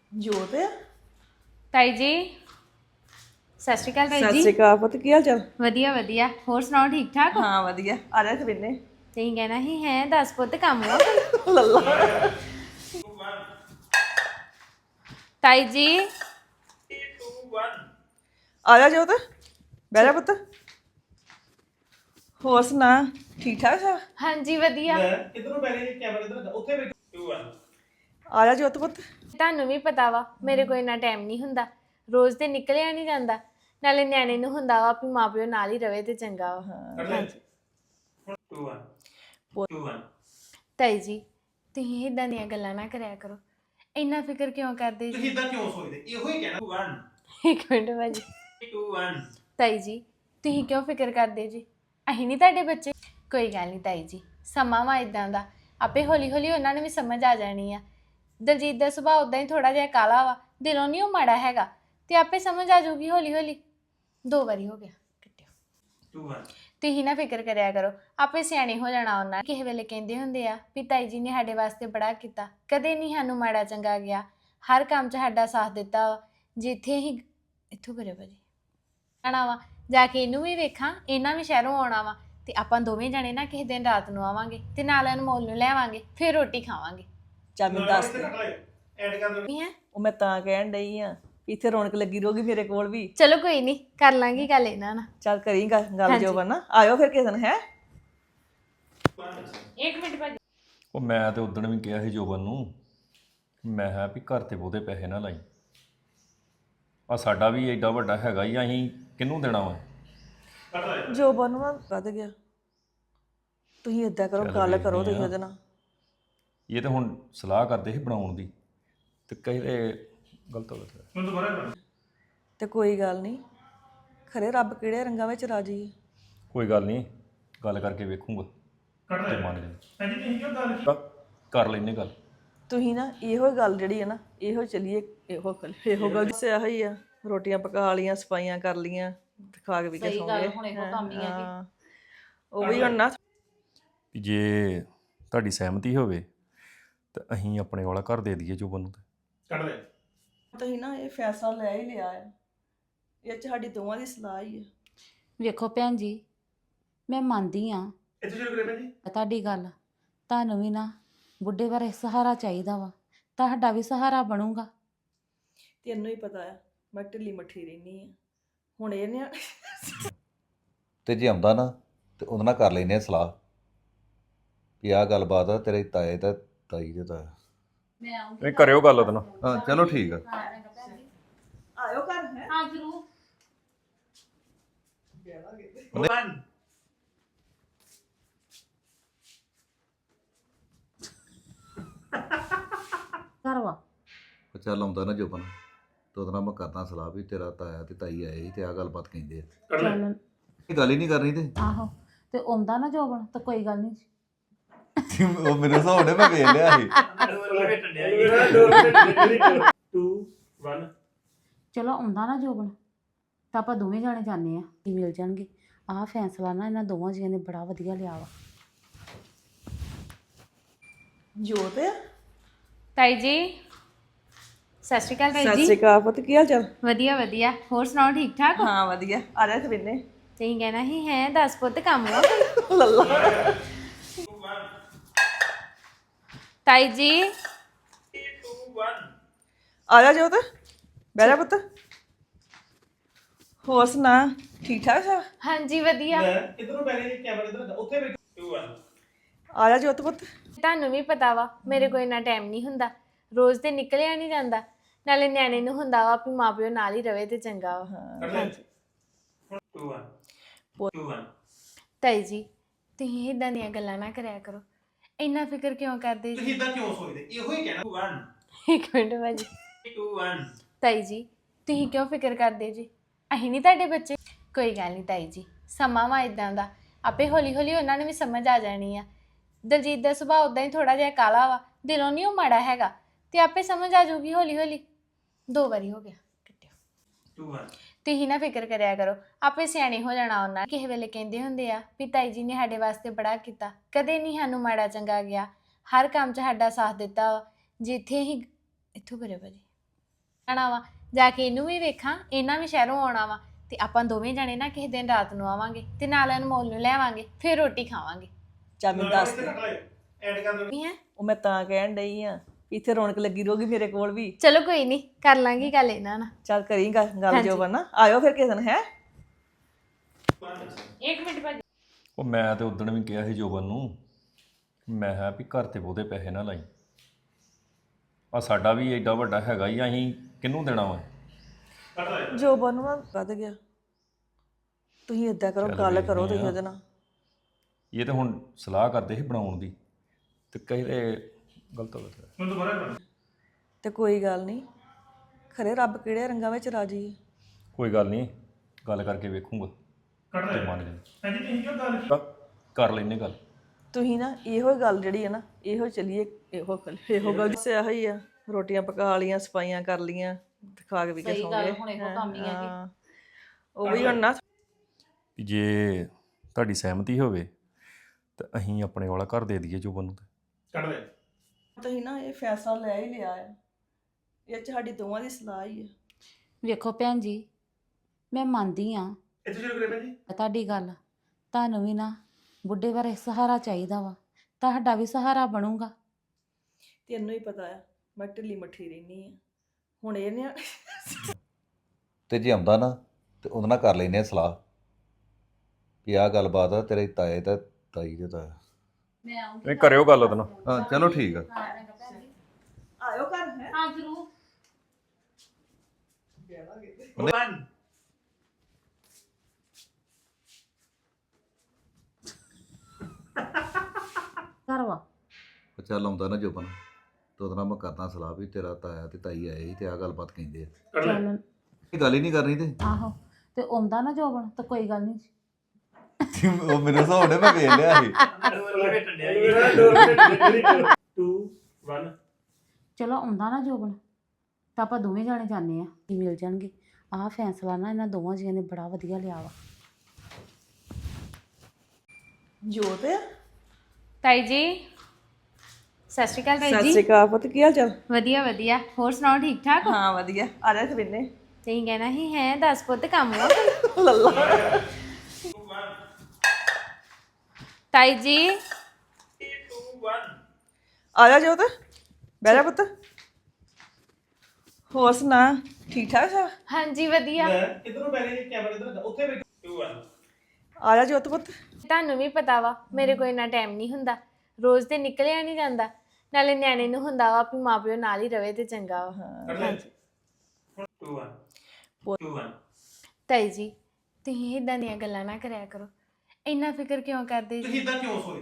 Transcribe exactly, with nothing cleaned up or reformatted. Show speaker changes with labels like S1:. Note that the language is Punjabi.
S1: ਜੋਤ
S2: ਤਾਈ ਜੀ ਸਤਿ ਸ਼੍ਰੀ ਅਕਾਲ ਤਾਈ
S1: ਸਤਿ
S2: ਜੀ।
S1: ਸ਼੍ਰੀ ਅਕਾਲ ਪੁੱਤ, ਕੀ ਹਾਲ ਚਾਲ?
S2: ਵਧੀਆ ਵਧੀਆ, ਹੋਰ ਸੁਣਾਓ ਠੀਕ ਠਾਕ ਹੋ?
S1: ਹਾਂ ਵਧੀਆ, ਆ ਜਾ ਖਰੀਨੇ
S2: ਤੁਸੀਂ ਕਹਿਣਾ ਹੀ ਹੈ ਦਸ ਪੁੱਤ ਕੰਮ ਆ
S1: ਲੱਲਾ।
S2: ਤਾਈ ਜੀ।
S1: ਆ ਜਾ ਜੋਤ, ਬਹਿ ਜਾ ਪੁੱਤ। ਹੋਰ ਸੁਣਾ, ਠੀਕ ਠਾਕ ਸਭ?
S2: ਹਾਂਜੀ ਵਧੀਆ।
S3: ਕਿਧਰੋਂ ਬੈ ਗਏ ਕੈਮਰਾ ਕਿਧਰ ਉੱਥੇ ਬੈਠ ਟੂ ਵਨ
S1: ਆ ਜਾ ਜੋਤ ਪੁੱਤ।
S2: ਤੁਹਾਨੂੰ ਵੀ ਪਤਾ ਵਾ ਮੇਰੇ ਕੋਲ ਇੰਨਾ ਟਾਈਮ ਨਹੀਂ ਹੁੰਦਾ, ਰੋਜ਼ ਤੇ ਨਿਕਲਿਆ ਨਹੀਂ ਜਾਂਦਾ, ਨਾਲੇ ਨਿਆਣੇ ਨੂੰ ਹੁੰਦਾ ਵਾ ਵੀ ਮਾਪਿਓ ਨਾਲ ਹੀ ਰਵੇ ਤੇ ਚੰਗਾ ਵਾ।
S1: ਹਾਂਜੀ
S3: ਟੂ ਵਨ ਟੂ ਵਨ
S2: ਤਾਈ ਜੀ ਤੁਸੀਂ ਇਦਾਂ ਦੀਆਂ ਗੱਲਾਂ ਨਾ ਕਰਿਆ ਕਰੋ, ਇੰਨਾ ਫਿਕਰ ਕਿਉਂ ਕਰਦੇ
S3: ਤੁਸੀਂ
S2: ਜੀ?
S3: ਇਦਾਂ ਕਿਉਂ ਸੋਚਦੇ? ਇਹੋ ਹੀ ਕਹਿਣਾ ਟੂ ਵਨ
S2: ਇੱਕ ਮਿੰਟ ਭਾਜੀ।
S3: ਟੂ ਵਨ
S2: ਤਾਈ ਜੀ ਤੁਸੀਂ ਕਿਉਂ ਫਿਕਰ ਕਰਦੇ ਜੀ? ਅਸੀਂ ਨਹੀਂ ਤੁਹਾਡੇ ਬੱਚੇ? ਕੋਈ ਗੱਲ ਨਹੀਂ ਤਾਈ ਜੀ, ਸਮਾਂ ਵਾ ਇਦਾਂ ਦਾ, ਆਪੇ ਹੌਲੀ ਹੌਲੀ ਉਹਨਾਂ ਨੂੰ ਵੀ ਸਮਝ ਆ ਜਾਣੀ ਆ। ਦਲਜੀਤ ਦਾ ਸੁਭਾਅ ਉਦਾਂ ਹੀ ਥੋੜਾ ਜਿਹਾ ਕਾਲਾ ਵਾ, ਦਿਲੋਂ ਨਹੀਂ ਉਹ ਮਾੜਾ ਹੈਗਾ, ਤੇ ਆਪੇ ਸਮਝ ਆ ਜਾਊਗੀ ਹੌਲੀ ਹੌਲੀ। ਦੋ ਵਾਰੀ ਹੋ ਗਿਆ ਕੱਟਿਓ।
S3: ਟੂ ਵਨ
S2: ਤੁਸੀਂ ਨਾ ਫਿਕਰ ਕਰਿਆ ਕਰੋ, ਆਪੇ ਸਿਆਣੇ ਹੋ ਜਾਣਾ ਉਹਨਾਂ। ਕਿਸੇ ਵੇਲੇ ਕਹਿੰਦੇ ਹੁੰਦੇ ਆ ਵੀ ਤਾਈ ਜੀ ਨੇ ਸਾਡੇ ਵਾਸਤੇ ਬੜਾ ਕੀਤਾ, ਕਦੇ ਨਹੀਂ ਸਾਨੂੰ ਮਾੜਾ ਚੰਗਾ ਗਿਆ, ਹਰ ਕੰਮ 'ਚ ਸਾਡਾ ਸਾਥ ਦਿੱਤਾ ਵਾ। ਜਿੱਥੇ ਹੀ ਇੱਥੋਂ ਕਰਿਓ ਭਾਜੀ ਆਣਾ ਵਾ, ਜਾ ਕੇ ਇਹਨੂੰ ਵੀ ਵੇਖਾਂ, ਇਹਨਾਂ ਵੀ ਸ਼ਹਿਰੋਂ ਆਉਣਾ ਵਾ, ਤੇ ਆਪਾਂ ਦੋਵੇਂ ਜਾਣੇ ਨਾ ਕਿਸੇ ਦਿਨ ਰਾਤ ਨੂੰ ਆਵਾਂਗੇ ਤੇ ਨਾਲ ਅਨਮੋਲ ਨੂੰ ਲੈਵਾਂਗੇ, ਫਿਰ ਰੋਟੀ ਖਾਵਾਂਗੇ।
S1: ਚੱਲ ਮੈਨੂੰ ਦੱਸ ਦੇ।
S3: ਐਡ ਕਰ ਦੋ।
S2: ਨਹੀਂ ਹੈ?
S1: ਉਹ ਮੈਂ ਤਾਂ ਕਹਿਣ ਡਈ ਆ ਵੀ ਇੱਥੇ ਰੌਣਕ ਲੱਗੀ ਰਹੂਗੀ ਮੇਰੇ ਕੋਲ ਵੀ।
S2: ਚਲੋ ਕੋਈ ਨਹੀਂ, ਕਰ ਲਾਂਗੀ ਗੱਲ ਇਹਨਾਂ ਨਾਲ।
S1: ਚੱਲ ਕਰੀ ਗੱਲ ਗੱਲ ਜੋ ਬਣਾ, ਆਇਓ ਫਿਰ ਕਿਸੇ ਦਿਨ। ਹੈ
S2: ਇੱਕ ਮਿੰਟ ਭਾਜੀ।
S4: ਉਹ ਮੈਂ ਤੇ ਉਦਣ ਵੀ ਕਿਹਾ ਸੀ ਜੋਬਨ ਨੂੰ, ਮੈਂ ਕਿਹਾ ਵੀ ਘਰ ਤੇ ਬਹੁਤੇ ਪੈਸੇ ਨਾ ਲਾਈ, ਆ ਸਾਡਾ ਵੀ ਐਡਾ ਵੱਡਾ ਹੈਗਾ ਹੀ, ਅਸੀਂ ਕਿਹਨੂੰ ਦੇਣਾ ਵਾ?
S1: ਜੋ ਬਣਵਾ ਵੱਧ ਗਿਆ। ਤੁਸੀਂ ਏਦਾਂ ਕਰੋ, ਗੱਲ ਕਰੋ ਤੁਸੀਂ ਉਹਦੇ ਨਾਲ।
S4: ਇਹ ਤਾਂ ਹੁਣ ਸਲਾਹ ਕਰਦੇ ਸੀ ਬਣਾਉਣ ਦੀ, ਤੇ ਕਹਿੰਦੇ ਗਲਤ ਹੋ ਗਿਆ।
S3: ਹੁਣ ਦੁਬਾਰਾ ਕਰ
S1: ਤੇ ਕੋਈ ਗੱਲ ਨਹੀਂ, ਖਰੇ ਰੱਬ ਕਿਹੜੇ ਰੰਗਾਂ ਵਿੱਚ ਰਾਜੀ ਹੈ।
S4: ਕੋਈ ਗੱਲ ਨਹੀਂ, ਗੱਲ ਕਰਕੇ ਵੇਖੂੰਗਾ
S3: ਕੱਢ
S4: ਤੇ
S3: ਲੈ
S4: ਮੰਨ ਜਾਣਾ।
S3: ਹਾਂਜੀ ਤੁਸੀਂ ਕਿਉਂ ਗੱਲ
S4: ਕ- ਕਰ ਲੈਨੇ ਗੱਲ।
S1: ਤੁਸੀਂ ਨਾ ਇਹੋ ਗੱਲ ਜਿਹੜੀ ਹੈ ਨਾ, ਇਹੋ ਚੱਲੀਏ, ਇਹੋ ਗੱਲ ਇਹੋ ਗੱਲ ਸੇ ਆਹੀ ਆ। ਰੋਟੀਆਂ ਪਕਾ ਲੀਆਂ, ਸਫਾਈਆਂ ਕਰ ਲੀਆਂ, ਤੇ ਖਾ ਕੇ ਵੀ ਕੇ ਸੌਂ ਗਏ। ਹਾਂ, ਉਹ ਵੀ ਹੁਣ ਨਾ
S4: ਵੀ ਜੇ ਤੁਹਾਡੀ ਸਹਿਮਤੀ ਹੋਵੇ ਤਾਂ ਅਸੀਂ ਆਪਣੇ ਵਾਲਾ ਘਰ ਦੇ ਦਈਏ ਜੋਬਨ ਨੂੰ। ਤੇ
S3: ਕੱਢ ਲੈ
S1: ਤੁਸੀਂ ਨਾ ਇਹ ਫੈਸਲਾ ਲੈ ਹੀ ਲਿਆ ਹੈ, ਇਹ 'ਚ ਸਾਡੀ ਦੋਵਾਂ ਦੀ ਸਲਾਹ ਹੀ ਹੈ।
S5: ਵੇਖੋ ਭੈਣ ਜੀ, ਮੈਂ ਮੰਨਦੀ ਆ
S3: ਇੱਥੇ ਸ਼ੁਰੂ ਕਰੇ ਭਾਜੀ।
S5: ਤੁਹਾਡੀ ਗੱਲ, ਤੁਹਾਨੂੰ ਵੀ ਨਾ ਬੁੱਢੇ ਬਾਰੇ ਸਹਾਰਾ ਚਾਹੀਦਾ ਵਾ, ਤੁਹਾਡਾ ਵੀ ਸਹਾਰਾ ਬਣੂਗਾ।
S1: ਤੈਨੂੰ ਹੀ ਪਤਾ ਆ ਮੈਂ ਢਿੱਲੀ ਮੱਠੀ ਰਹਿੰਦੀ ਆ। ਹੁਣ ਇਹ ਨੇ
S6: ਤੇ ਜੇ ਆਉਂਦਾ ਨਾ ਤੇ ਉਹਦੇ ਨਾਲ ਕਰ ਲੈਨੇ ਆ ਸਲਾਹ ਵੀ ਆਹ ਗੱਲਬਾਤ ਆ ਤੇਰੇ ਤਾਏ ਤੇ ਤਾਈ ਦੇ ਤਾਇਆ।
S4: ਨਹੀਂ ਕਰਿਓ ਗੱਲ ਉਹਦੇ ਨਾਲ।
S6: ਹਾਂ ਚਲੋ ਠੀਕ ਆ।
S1: ਆਇਓ ਘਰ। ਹੈ
S5: ਹਾਂ ਜ਼ਰੂਰ।
S3: ਵਨ
S5: ਘਰ ਵਾ
S6: ਉਹ ਚੱਲ ਆਉਂਦਾ ਨਾ ਜੋਬਨ ਤੇ ਉਹਦੇ ਨਾਲ ਮੈਂ ਕਰਦਾ ਸਲਾਹ ਵੀ ਤੇਰਾ ਤਾਇਆ ਤੇ ਤਾਈ ਆਏ ਸੀ ਤੇ ਆਹ ਗੱਲਬਾਤ ਕਹਿੰਦੇ ਆ।
S3: ਕੱਢ ਲੈ
S5: ਚੱਲ
S6: ਇਹ ਗੱਲ ਹੀ ਨਹੀਂ ਕਰਨੀ ਤੇ
S5: ਆਹੋ, ਤੇ ਆਉਂਦਾ ਨਾ ਜੋਬਨ ਤਾਂ ਕੋਈ ਗੱਲ ਨਹੀਂ।
S6: ਉਹ ਮੇਰੇ ਹਿਸਾਬ ਨਾਲ ਮੈਂ ਵੇਖ ਲਿਆ ਸੀ।
S3: ਟੂ ਵਨ
S5: ਚਲੋ ਆਉਂਦਾ ਨਾ ਜੋਬਨ ਤਾਂ ਆਪਾਂ ਦੋਵੇਂ ਜਾਣੇ ਜਾਂਦੇ ਆ, ਕੀ ਮਿਲ ਜਾਣਗੇ। ਆਹ ਫੈਸਲਾ ਨਾ ਇਹਨਾਂ ਦੋਵਾਂ ਜੀਆਂ ਨੇ ਬੜਾ ਵਧੀਆ ਲਿਆ ਵਾ।
S1: ਜੋਤ
S2: ਤਾਈ ਜੀ ਸਤਿ ਸ਼੍ਰੀ ਅਕਾਲ ਤਾਈ
S1: ਸਤਿ
S2: ਜੀ।
S1: ਸ਼੍ਰੀ ਅਕਾਲ ਪੁੱਤ, ਕੀ ਹਾਲ ਚਾਲ?
S2: ਵਧੀਆ ਵਧੀਆ, ਹੋਰ ਸੁਣਾਓ ਠੀਕ ਠਾਕ ਹੋ?
S1: ਹਾਂ ਵਧੀਆ, ਆ ਜਾ ਖਰੀਨੇ
S2: ਤੁਸੀਂ ਕਹਿਣਾ ਹੀ ਹੈ ਦਸ ਪੁੱਤ ਕੰਮ ਆ
S1: ਲੱਲਾ।
S2: ਤਾਈ ਜੀ।
S3: ਟੂ ਵਨ
S1: ਆ ਜਾ ਜੋਤ, ਬਹਿ ਜਾ ਪੁੱਤ। ਹੋਰ ਸੁਣਾ, ਠੀਕ ਠਾਕ ਸਭ?
S2: ਹਾਂਜੀ ਵਧੀਆ।
S3: ਕਿਧਰੋਂ ਬੈ ਗਏ ਕੈਮਰਾ ਕਿਧਰ ਉੱਥੇ ਬੈਠ ਟੂ ਵਨ
S1: ਆ ਜਾ ਜੋਤ ਪੁੱਤ।
S2: ਤੁਹਾਨੂੰ ਵੀ ਪਤਾ ਵਾ ਮੇਰੇ ਕੋਲ ਇੰਨਾ ਟਾਈਮ ਨਹੀਂ ਹੁੰਦਾ, ਰੋਜ਼ ਤੇ ਨਿਕਲਿਆ ਨਹੀਂ ਜਾਂਦਾ, ਨਾਲੇ ਨਿਆਣੇ ਨੂੰ ਹੁੰਦਾ ਵਾ ਵੀ ਮਾਪਿਓ ਨਾਲ ਹੀ ਰਵੇ ਤੇ ਚੰਗਾ ਵਾ।
S3: ਕੱਢ ਲੈ ਟੂ ਵਨ ਟੂ ਵਨ
S2: ਤਾਈ ਜੀ ਤੁਸੀਂ ਇਦਾਂ ਦੀਆਂ ਗੱਲਾਂ ਨਾ ਕਰਿਆ ਕਰੋ, ਇੰਨਾ ਫਿਕਰ ਕਿਉਂ ਕਰਦੇ
S3: ਤੁਸੀਂ
S2: ਜੀ?
S3: ਇਦਾਂ ਕਿਉਂ ਸੋਚਦੇ? ਇਹੋ ਹੀ ਕਹਿਣਾ ਟੂ ਵਨ
S2: ਇੱਕ ਮਿੰਟ ਭਾਜੀ।
S3: ਟੂ ਵਨ
S2: ਤਾਈ ਜੀ ਤੁਸੀਂ ਕਿਉਂ ਫਿਕਰ ਕਰਦੇ ਜੀ? ਅਸੀਂ ਨਹੀਂ ਤੁਹਾਡੇ ਬੱਚੇ? ਕੋਈ ਗੱਲ ਨਹੀਂ ਤਾਈ ਜੀ, ਸਮਾਂ ਵਾ ਇਦਾਂ ਦਾ, ਆਪੇ ਹੌਲੀ ਹੌਲੀ ਉਹਨਾਂ ਨੂੰ ਵੀ ਸਮਝ ਆ ਜਾਣੀ ਆ। ਦਲਜੀਤ ਦਾ ਸੁਭਾਅ ਉਦਾਂ ਹੀ ਥੋੜਾ ਜਿਹਾ ਕਾਲਾ ਵਾ, ਦਿਲੋਂ ਨਹੀਂ ਉਹ ਮਾੜਾ ਹੈਗਾ, ਤੇ ਆਪੇ ਸਮਝ ਆ ਜਾਊਗੀ ਹੌਲੀ ਹੌਲੀ। ਦੋ ਵਾਰੀ ਹੋ ਗਿਆ ਕੱਟਿਓ।
S3: ਟੂ ਵਨ
S2: ਤੁਸੀਂ ਨਾ ਫਿਕਰ ਕਰਿਆ ਕਰੋ, ਆਪੇ ਸਿਆਣੇ ਹੋ ਜਾਣਾ ਉਹਨਾਂ। ਕਿਸੇ ਵੇਲੇ ਕਹਿੰਦੇ ਹੁੰਦੇ ਆ ਵੀ ਤਾਈ ਜੀ ਨੇ ਸਾਡੇ ਵਾਸਤੇ ਬੜਾ ਕੀਤਾ, ਕਦੇ ਨਹੀਂ ਸਾਨੂੰ ਮਾੜਾ ਚੰਗਾ ਗਿਆ, ਹਰ ਕੰਮ 'ਚ ਸਾਡਾ ਸਾਥ ਦਿੱਤਾ ਵਾ। ਜਿੱਥੇ ਹੀ ਇੱਥੋਂ ਕਰਿਓ ਭਾਜੀ ਜਾਣਾ ਵਾ ਜਾ ਕੇ ਇਹਨੂੰ ਵੀ ਵੇਖਾਂ, ਇਹਨਾਂ ਵੀ ਸ਼ਹਿਰੋਂ ਆਉਣਾ ਵਾ ਤੇ ਆਪਾਂ ਦੋਵੇਂ ਜਾਣੇ ਨਾ ਕਿਸੇ ਦਿਨ ਰਾਤ ਨੂੰ ਆਵਾਂਗੇ ਤੇ ਨਾਲ ਅਨਮੋਲ ਨੂੰ ਲੈ ਆਵਾਂਗੇ, ਫਿਰ ਰੋਟੀ ਖਾਵਾਂਗੇ।
S1: ਚੱਲ ਮੈਨੂੰ ਦੱਸ ਦੇ
S3: ਐਡ ਕਰ ਦੋ
S2: ਨਹੀਂ ਹੈ
S1: ਉਹ ਮੈਂ ਤਾਂ ਕਹਿਣ ਡਈ ਆ ਇੱਥੇ ਰੌਣਕ ਲੱਗੀ ਰਹੂਗੀ ਮੇਰੇ ਕੋਲ ਵੀ।
S2: ਚਲੋ ਕੋਈ ਨਹੀਂ, ਕਰ ਲਾਂਗੀ ਗੱਲ ਇਹਨਾਂ ਨਾਲ।
S1: ਚੱਲ ਕਰੀ ਗੱਲ ਗੱਲ ਜੋ ਬਣਾ ਆਇਓ ਫਿਰ ਕਿਸੇ ਦਿਨ ਹੈ।
S2: ਇੱਕ ਮਿੰਟ ਭਾਜੀ।
S4: ਉਹ ਮੈਂ ਤੇ ਉਦਣ ਵੀ ਕਿਹਾ ਸੀ ਜੋਬਨ ਨੂੰ, ਮੈਂ ਕਿਹਾ ਵੀ ਘਰ ਤੇ ਬਹੁਤੇ ਪੈਸੇ ਨਾ ਲਾਈ, ਆ ਸਾਡਾ ਵੀ ਐਡਾ ਵੱਡਾ ਹੈਗਾ ਹੀ, ਅਸੀਂ ਕਿਹਨੂੰ ਦੇਣਾ ਵਾ।
S1: ਜੋ ਬਣਵਾ ਵੱਧ ਗਿਆ। ਤੁਸੀਂ ਏਦਾਂ ਕਰੋ,
S4: ਚੱਲ
S1: ਗੱਲ ਕਰੋ
S4: ਵੇਖਦੇ
S1: ਤੁਸੀਂ
S4: ਆ।
S1: ਉਹਦੇ ਨਾਲ।
S4: ਇਹ ਤਾਂ ਹੁਣ ਸਲਾਹ ਕਰਦੇ ਸੀ ਬਣਾਉਣ ਦੀ ਤੇ ਕਹਿੰਦੇ ਗਲਤ ਹੋ ਗਿਆ।
S3: ਮੈਨੂੰ ਦੁਬਾਰਾ ਕਰ
S1: ਤੇ ਕੋਈ ਗੱਲ ਨਹੀਂ, ਖਰੇ ਰੱਬ ਕਿਹੜੇ ਰੰਗਾਂ ਵਿੱਚ ਰਾਜੀ ਹੈ।
S4: ਕੋਈ ਗੱਲ ਨਹੀਂ, ਗੱਲ ਕਰਕੇ ਵੇਖੂੰਗਾ
S3: ਕੱਟ
S4: ਤੇ
S3: ਲੈ
S4: ਮੰਨ ਜਾਣਾ।
S3: ਹਾਂਜੀ ਤੁਸੀਂ ਕਿਉਂ ਗੱਲ ਕੀ
S4: ਕਰ ਲੈਨੇ ਗੱਲ।
S1: ਤੁਸੀਂ ਨਾ ਇਹੋ ਹੀ ਗੱਲ ਜਿਹੜੀ ਹੈ ਨਾ, ਇਹੋ ਚੱਲੀਏ, ਇਹੋ ਗੱਲ ਇਹੋ ਗੱਲ ਸਿਆ ਹੀ ਆ। ਰੋਟੀਆਂ ਪਕਾ ਲੀਆਂ, ਸਫਾਈਆਂ ਕਰ ਲੀਆਂ ਤੇ ਖਾ ਕੇ ਵੀ ਕੇ ਸੌਂ ਗਏ। ਹੁਣ ਇਹੋ ਕੰਮ ਹੀ ਆ। ਉਹ ਵੀ ਹੁਣ ਨਾ
S4: ਵੀ ਜੇ ਤੁਹਾਡੀ ਸਹਿਮਤੀ ਹੋਵੇ ਤਾਂ ਅਸੀਂ ਆਪਣੇ ਵਾਲਾ ਘਰ ਦੇ ਦਈਏ ਜੋਬਨ ਨੂੰ।
S3: ਕੱਟ ਲੈ
S1: ਤੁਸੀਂ ਨਾ ਇਹ ਫੈਸਲਾ ਲੈ ਹੀ ਲਿਆ ਹੈ, ਇਹ 'ਚ ਸਾਡੀ ਦੋਵਾਂ ਦੀ ਸਲਾਹ ਹੀ ਹੈ।
S5: ਵੇਖੋ ਭੈਣ ਜੀ, ਮੈਂ ਮੰਨਦੀ ਆ
S3: ਇੱਥੇ ਸ਼ੁਰੂ ਕਰੇ ਭੈਣ ਜੀ।
S5: ਤੁਹਾਡੀ ਗੱਲ, ਤੁਹਾਨੂੰ ਵੀ ਨਾ ਬੁੱਢੇ ਬਾਰੇ ਸਹਾਰਾ ਚਾਹੀਦਾ ਵਾ, ਤੁਹਾਡਾ ਵੀ ਸਹਾਰਾ ਬਣੂਗਾ।
S1: ਤੈਨੂੰ ਹੀ ਪਤਾ ਆ ਮੈਂ ਢਿੱਲੀ ਮੱਠੀ ਰਹਿਨੀ ਆ। ਹੁਣ ਇਹ ਨੇ
S6: ਤੇ ਜੇ ਆਉਂਦਾ ਨਾ ਤੇ ਉਹਦੇ ਨਾਲ ਕਰ ਲੈਨੇ ਆ ਸਲਾਹ ਵੀ ਆਹ ਗੱਲਬਾਤ ਆ ਤੇਰੇ ਤਾਏ ਤੇ ਤਾਈ ਦੇ ਤਾਇਆ।
S4: ਨਹੀਂ ਕਰਿਓ ਗੱਲ ਉਹਦੇ ਨਾਲ।
S6: ਹਾਂ ਚਲੋ ਠੀਕ ਆ।
S1: ਆਇਓ ਘਰ ਹੈ।
S5: ਹਾਂ ਜ਼ਰੂਰ।
S3: ਵਨ
S5: ਘਰ ਵਾ
S6: ਉਹ ਚੱਲ ਆਉਂਦਾ ਨਾ ਜੋਬਨ ਤੇ ਉਹਦੇ ਨਾਲ ਮੈਂ ਕਰਦਾ ਸਲਾਹ ਵੀ ਤੇਰਾ ਤਾਇਆ ਤੇ ਤਾਈ ਆਏ ਸੀ ਤੇ ਆਹ ਗੱਲਬਾਤ ਕਹਿੰਦੇ ਆ।
S3: ਕੱਟ ਲੈ
S5: ਚੱਲ
S6: ਇਹ ਗੱਲ ਹੀ ਨਹੀਂ ਕਰਨੀ ਤੇ
S5: ਆਹੋ, ਤੇ ਆਉਂਦਾ ਨਾ ਜੋਬਨ ਤਾਂ ਕੋਈ ਗੱਲ ਨਹੀਂ।
S6: ਉਹ ਮੈਨੂੰ ਸੌਣੇ ਮੈਂ ਵੇਖ ਲਿਆ ਸੀ।
S3: ਟੂ ਵਨ
S5: ਚਲੋ ਆਉਂਦਾ ਨਾ ਜੋਬਨ ਤਾਂ ਆਪਾਂ ਦੋਵੇਂ ਜਾਣੇ ਜਾਂਦੇ ਆ, ਮਿਲ ਜਾਣਗੇ। ਆਹ ਫੈਸਲਾ ਨਾ ਇਹਨਾਂ ਦੋਵਾਂ ਜੀਆਂ ਨੇ ਬੜਾ ਵਧੀਆ ਲਿਆ ਵਾ।
S1: ਜੋਤ ਆ।
S2: ਤਾਈ ਜੀ ਸਤਿ ਸ਼੍ਰੀ ਅਕਾਲ ਤਾਈ
S1: ਸਤਿ
S2: ਜੀ।
S1: ਸ਼੍ਰੀ ਅਕਾਲ ਪੁੱਤ, ਕੀ ਹਾਲ ਚਾਲ?
S2: ਵਧੀਆ ਵਧੀਆ, ਹੋਰ ਸੁਣਾਓ ਠੀਕ ਠਾਕ ਹੋ?
S1: ਹਾਂ ਵਧੀਆ, ਆ ਜਾ ਖਵਿੰਨੇ
S2: ਤੁਸੀਂ ਕਹਿਣਾ ਹੀ ਹੈ ਦਸ ਪੁੱਤ ਕੰਮ ਵਾ
S1: ਲੱਲਾ।
S2: ਤਾਈ ਜੀ।
S3: ਟੂ ਵਨ
S1: ਆ ਜਾ ਜੋਤ, ਬਹਿ ਜਾ ਪੁੱਤ। ਹੋਰ ਸੁਣਾ, ਠੀਕ ਠਾਕ ਸਭ?
S2: ਹਾਂਜੀ ਵਧੀਆ।
S3: ਕਿਧਰੋਂ ਬੈ ਗਏ ਕੈਮਰਾ ਕਿਧਰ ਉੱਥੇ ਬੈਠ ਟੂ ਵਨ
S1: ਆ ਜਾ ਜੋਤ ਪੁੱਤ।
S2: ਤੁਹਾਨੂੰ ਵੀ ਪਤਾ ਵਾ ਮੇਰੇ ਕੋਲ ਇੰਨਾ ਟਾਈਮ ਨਹੀਂ ਹੁੰਦਾ, ਰੋਜ਼ ਤੇ ਨਿਕਲਿਆ ਨਹੀਂ ਜਾਂਦਾ, ਨਾਲੇ ਨਿਆਣੇ ਨੂੰ ਹੁੰਦਾ ਵਾ ਵੀ ਮਾਪਿਓ ਨਾਲ ਹੀ ਰਵੇ ਤੇ ਚੰਗਾ ਵਾ।
S3: ਕੱਟ ਲੈ ਟੂ ਵਨ ਟੂ ਵਨ
S2: ਤਾਈ ਜੀ ਤੁਸੀਂ ਇਦਾਂ ਦੀਆਂ ਗੱਲਾਂ ਨਾ ਕਰਿਆ ਕਰੋ, ਇੰਨਾ ਫਿਕਰ ਕਿਉਂ ਕਰਦੇ ਜੀ?
S3: ਤੁਸੀਂ ਇਦਾਂ ਕਿਉਂ ਸੋਏ